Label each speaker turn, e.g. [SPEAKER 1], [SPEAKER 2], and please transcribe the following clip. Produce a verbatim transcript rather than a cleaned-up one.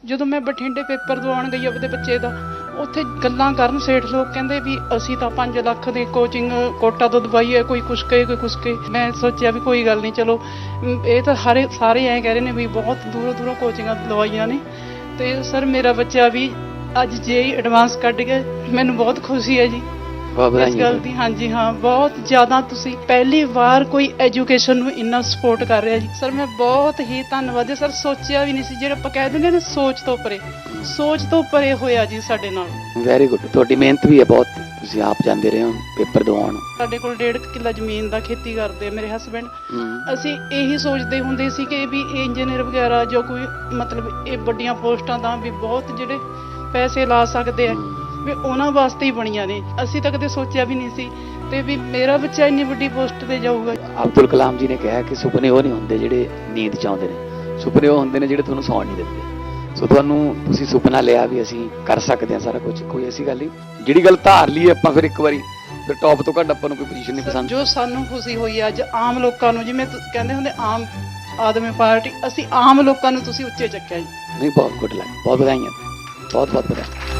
[SPEAKER 1] ਜਦੋਂ ਮੈਂ ਬਠਿੰਡੇ ਪੇਪਰ ਦਵਾਉਣ ਗਈ ਆਪਣੇ ਬੱਚੇ ਦਾ, ਉੱਥੇ ਗੱਲਾਂ ਕਰਨ ਸੇਠ ਲੋਕ ਕਹਿੰਦੇ ਵੀ ਅਸੀਂ ਤਾਂ ਪੰਜ ਲੱਖ ਦੀ ਕੋਚਿੰਗ ਕੋਟਾ ਤੋਂ ਦਵਾਈ ਹੈ, ਕੋਈ ਕੁਛ ਕਹੇ ਕੋਈ ਕੁਛ ਕਹੇ। ਮੈਂ ਸੋਚਿਆ ਵੀ ਕੋਈ ਗੱਲ ਨਹੀਂ, ਚਲੋ ਇਹ ਤਾਂ ਹਰੇ ਸਾਰੇ ਐਂ ਕਹਿ ਰਹੇ ਨੇ ਵੀ ਬਹੁਤ ਦੂਰੋਂ ਦੂਰੋਂ ਕੋਚਿੰਗਾਂ ਦਵਾਈਆਂ ਨੇ। ਤੇ ਸਰ ਮੇਰਾ ਬੱਚਾ ਵੀ ਅੱਜ ਜੇ ਐਡਵਾਂਸ ਕੱਢ ਗਿਆ, ਮੈਨੂੰ ਬਹੁਤ ਖੁਸ਼ੀ ਹੈ ਜੀ ਇਸ ਗੱਲ ਦੀ। ਹਾਂਜੀ ਹਾਂ, ਬਹੁਤ ਜ਼ਿਆਦਾ ਤੁਸੀਂ ਪਹਿਲੀ ਵਾਰ ਕੋਈ ਐਜੂਕੇਸ਼ਨ ਨੂੰ ਇੰਨਾ ਸਪੋਰਟ ਕਰ ਰਿਹਾ ਜੀ ਸਰ। ਮੈਂ ਬਹੁਤ ਹੀ ਧੰਨਵਾਦੀ ਸਰ। ਸੋਚਿਆ ਵੀ ਨਹੀਂ ਸੀ, ਜਿਹੜਾ ਆਪਾਂ ਕਹਿ ਦਿੰਦੇ ਨਾ ਸੋਚ ਤੋਂ ਪਰੇ, ਸੋਚ ਤੋਂ ਪਰੇ ਹੋਇਆ ਜੀ ਸਾਡੇ ਨਾਲ।
[SPEAKER 2] ਵੈਰੀ ਗੁੱਡ, ਤੁਹਾਡੀ ਮਿਹਨਤ ਵੀ ਹੈ ਬਹੁਤ, ਤੁਸੀਂ ਆਪ ਜਾਂਦੇ ਰਹੇ ਹੋ ਪੇਪਰ ਦਵਾਉਣ।
[SPEAKER 1] ਸਾਡੇ ਕੋਲ ਡੇਢ ਕਿੱਲਾ ਜ਼ਮੀਨ ਦਾ ਖੇਤੀ ਕਰਦੇ ਆ ਮੇਰੇ ਹਸਬੈਂਡ। ਅਸੀਂ ਇਹੀ ਸੋਚਦੇ ਹੁੰਦੇ ਸੀ ਕਿ ਵੀ ਇੰਜੀਨੀਅਰ ਵਗੈਰਾ ਜੋ ਕੋਈ ਮਤਲਬ ਇਹ ਵੱਡੀਆਂ ਪੋਸਟਾਂ ਦਾ ਵੀ ਬਹੁਤ ਜਿਹੜੇ ਪੈਸੇ ਲਾ ਸਕਦੇ ਆ ਵੀ ਉਹਨਾਂ ਵਾਸਤੇ ਹੀ ਬਣੀਆਂ ਨੇ। ਅਸੀਂ ਤਾਂ ਕਦੇ ਸੋਚਿਆ ਵੀ ਨਹੀਂ ਸੀ ਤੇ ਵੀ ਮੇਰਾ ਬੱਚਾ ਇੰਨੀ ਵੱਡੀ ਪੋਸਟ ਤੇ ਜਾਊਗਾ।
[SPEAKER 2] ਅਬਦੁਲ ਕਲਾਮ ਜੀ ਨੇ ਕਿਹਾ ਕਿ ਸੁਪਨੇ ਉਹ ਨਹੀਂ ਹੁੰਦੇ ਜਿਹੜੇ ਨੀਂਦ ਚ ਆਉਂਦੇ ਨੇ, ਸੁਪਨੇ ਉਹ ਹੁੰਦੇ ਨੇ ਜਿਹੜੇ ਤੁਹਾਨੂੰ ਸੌਣ ਨਹੀਂ ਦਿੰਦੇ। ਸੋ ਤੁਹਾਨੂੰ ਤੁਸੀਂ ਸੁਪਨਾ ਲਿਆ ਵੀ ਅਸੀਂ ਕਰ ਸਕਦੇ ਹਾਂ ਸਾਰਾ ਕੁਝ, ਕੋਈ ਐਸੀ ਗੱਲ ਨਹੀਂ। ਜਿਹੜੀ ਗੱਲ ਧਾਰ ਲਈ ਆਪਾਂ ਫਿਰ ਇੱਕ ਵਾਰੀ ਫਿਰ ਟੌਪ ਤੋਂ ਘੱਟ ਆਪਾਂ ਨੂੰ ਕੋਈ ਪੋਜੀਸ਼ਨ ਨਹੀਂ ਪਸੰਦ।
[SPEAKER 1] ਜੋ ਸਾਨੂੰ ਖੁਸ਼ੀ ਹੋਈ ਅੱਜ ਆਮ ਲੋਕਾਂ ਨੂੰ, ਜਿਵੇਂ ਕਹਿੰਦੇ ਹੁੰਦੇ ਆਮ ਆਦਮੀ ਪਾਰਟੀ, ਅਸੀਂ ਆਮ ਲੋਕਾਂ ਨੂੰ ਤੁਸੀਂ ਉੱਚੇ ਚੱਕਿਆ ਜੀ।
[SPEAKER 2] ਨਹੀਂ, ਬਹੁਤ ਗੁੱਡ ਲੱਗ, ਬਹੁਤ ਵਧਾਈਆਂ, ਬਹੁਤ ਬਹੁਤ ਵਧਾਈਆਂ।